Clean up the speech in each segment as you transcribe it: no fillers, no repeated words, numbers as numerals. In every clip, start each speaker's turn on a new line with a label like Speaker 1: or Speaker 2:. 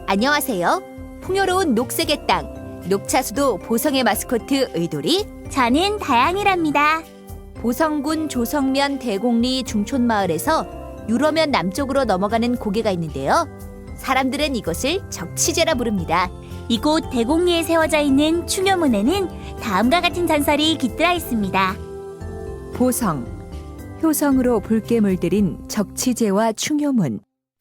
Speaker 1: 안녕하세요. 풍요로운 녹색의 땅, 녹차수도 보성의 마스코트 의돌이,
Speaker 2: 저는 다양이랍니다.
Speaker 1: 보성군 조성면 대곡리 중촌마을에서 유러면 남쪽으로 넘어가는 고개가 있는데요. 사람들은 이것을 적치제라 부릅니다.
Speaker 2: 이곳 대곡리에 세워져 있는 충효문에는 다음과 같은 전설이 깃들어 있습니다.
Speaker 1: 보성, 효성으로 붉게 물들인 적치제와 충효문.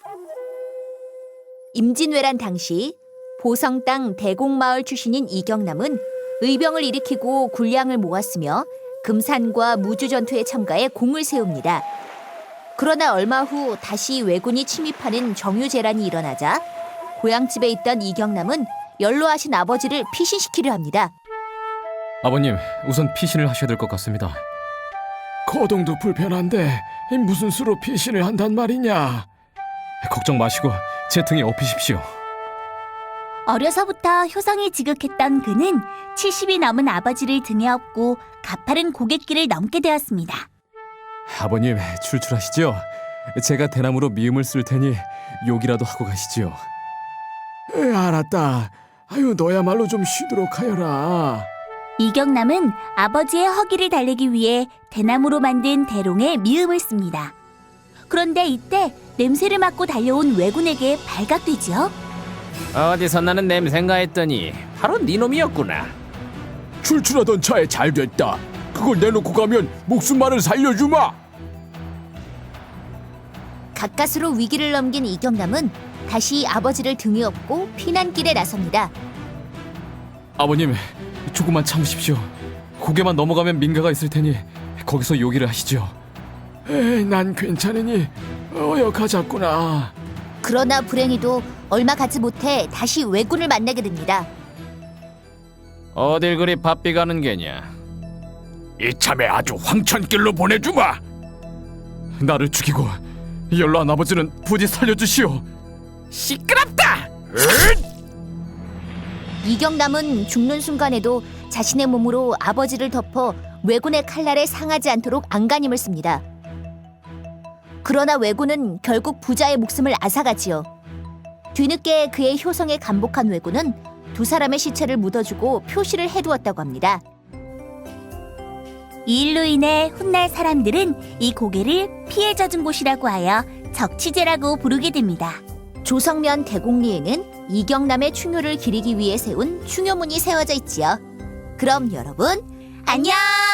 Speaker 1: 임진왜란 당시 보성 땅 대곡마을 출신인 이경남은 의병을 일으키고 군량을 모았으며 금산과 무주전투에 참가해 공을 세웁니다. 그러나 얼마 후 다시 왜군이 침입하는 정유재란이 일어나자 고향집에 있던 이경남은 연로하신 아버지를 피신시키려 합니다.
Speaker 3: 아버님, 우선 피신을 하셔야 될 것 같습니다.
Speaker 4: 거동도 불편한데 무슨 수로 피신을 한단 말이냐?
Speaker 3: 걱정 마시고 제 등에 업히십시오.
Speaker 2: 어려서부터 효성이 지극했던 그는 70이 넘은 아버지를 등에 업고 가파른 고갯길을 넘게 되었습니다.
Speaker 3: 아버님, 출출하시죠? 제가 대나무로 미음을 쓸 테니 욕이라도 하고 가시지요.
Speaker 4: 알았다. 아유, 너야말로 좀 쉬도록 하여라.
Speaker 2: 이경남은 아버지의 허기를 달래기 위해 대나무로 만든 대롱에 미음을 씁니다. 그런데 이때 냄새를 맡고 달려온 왜군에게 발각되지요.
Speaker 5: 어디서 나는 냄새인가 했더니 바로 네 놈이었구나.
Speaker 4: 출출하던 차에 잘 됐다. 그걸 내놓고 가면 목숨만을 살려주마.
Speaker 1: 가까스로 위기를 넘긴 이경남은 다시 아버지를 등에 업고 피난길에 나섭니다.
Speaker 3: 아버님, 조금만 참으십시오. 고개만 넘어가면 민가가 있을 테니 거기서 요기를 하시죠.
Speaker 4: 난 괜찮으니 어여 가자꾸나.
Speaker 1: 그러나 불행히도 얼마 가지 못해 다시 왜군을 만나게 됩니다.
Speaker 5: 어딜 그리 바삐 가는 게냐.
Speaker 4: 이참에 아주 황천길로 보내주마.
Speaker 3: 나를 죽이고 연로한 아버지는 부디 살려주시오.
Speaker 5: 시끄럽다.
Speaker 1: 이경남은 죽는 순간에도 자신의 몸으로 아버지를 덮어 왜군의 칼날에 상하지 않도록 안간힘을 씁니다. 그러나 왜군은 결국 부자의 목숨을 앗아가지요. 뒤늦게 그의 효성에 감복한 왜군은 두 사람의 시체를 묻어주고 표시를 해두었다고 합니다.
Speaker 2: 이 일로 인해 훗날 사람들은 이 고개를 피해 젖은 곳이라고 하여 적치제라고 부르게 됩니다.
Speaker 1: 조성면 대곡리에는 이경남의 충효를 기리기 위해 세운 충효문이 세워져 있지요. 그럼 여러분,
Speaker 2: 안녕!